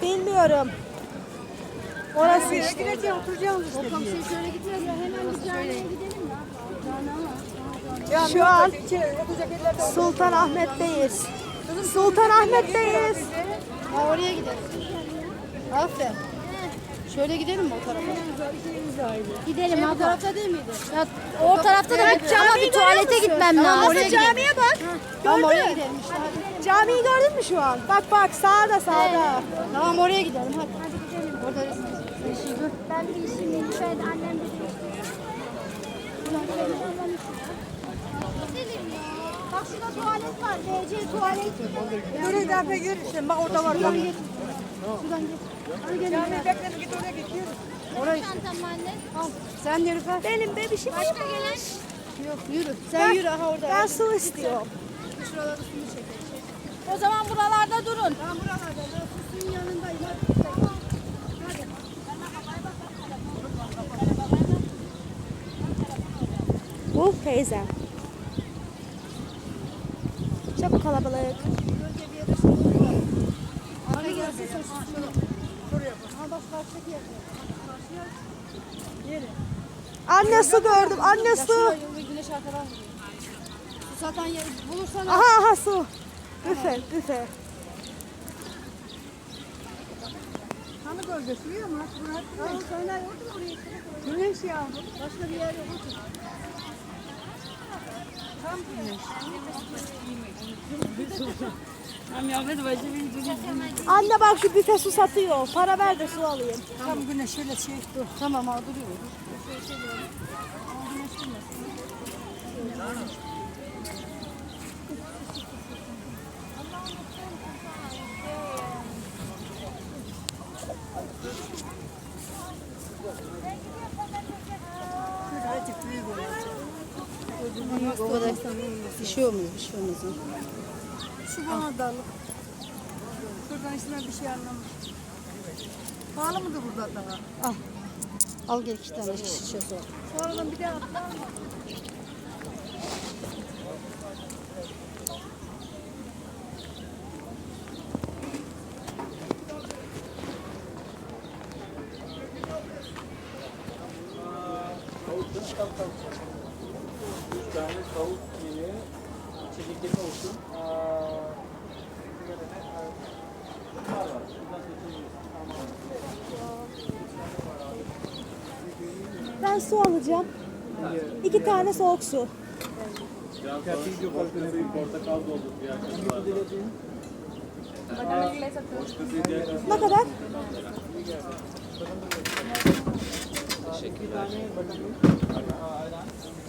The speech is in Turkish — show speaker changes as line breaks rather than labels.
Bilmiyorum. Orası işte.
Gireceğim, oturacağım işte.
O komşuya şöyle gitmez ya. Hemen bir camiye gidelim ya.
Şu an Sultanahmet'teyiz. Sultanahmet'teyiz.
Ha, oraya gidelim. Aferin. Şöyle gidelim mi o tarafa? Gidelim
Bu
abla.
tarafta değil miydi?
Ya, o tarafta da gideceğim ama bir tuvalete gitmem lazım.
Oraya camiye bak.
Tamam oraya
Gördün mü?
gidelim işte. Hadi.
Camiyi gördün mü şu an? Bak bak sağda sağda.
Tamam oraya gidelim hadi. Hadi gidelim. Orada resim. Dur.
Ben bir işim lütfen annem de
Bak şurada tuvalet var. DC tuvalet.
Böyle daha görürsün. Bak orada var.
Şuradan geç. Şuradan geç. Hadi gelin.
Cami bekleme git oraya git. Yürü.
Oraya işte.
çantam anne.
Al. Sen yürü Fer.
Benim bebişim.
Başka gelen?
Yok yürü. Sen yürü aha orada.
Ben su istiyorum.
Şuraları suyu çekelim.
O zaman buralarda durun.
Ben buralarda. Ben suyun yanındayım. Hadi.
Bu teyzem. Çok kalabalık.
Arka gelsin sen şuraya. Şuraya bak. Ha bak karşıdaki yer.
Anne su gördüm. Anne su.
Şuraya güneş arkadan vuruyor. Su satan yer bulursan al.
Aha aha su. Büfe büfe.
Kanı gölgesi biliyor musun?
Tamam sen nereye otur oraya.
Güneş ya.
Başka bir yer yok otur.
Anne bak şu büfe su satıyor. Para ver de su alayım.
Tam güneş şöyle şey. Dur.
Tamam al duruyor.
Şöyle azıcık büyük olacak.
O kadar bir şey olmaz bir şey olmaz.
Şu bana dalık. Şuradan içinden bir şey anlamam. Pahalı mıdır burada daha?
Al. Al gel 2 tane şişe su.
Sonradan bir daha atlar mı?
Bir tane tavuk yemeği, içecekleri olsun. Bunlar var. Bundan seçebiliriz.
Ben su alacağım. 2 tane soğuk su.
Biraz sonra boşta suyu portakal doldur bir arkadaşlar. Boşta suyu diğer
Ne kadar?
Teşekkürler.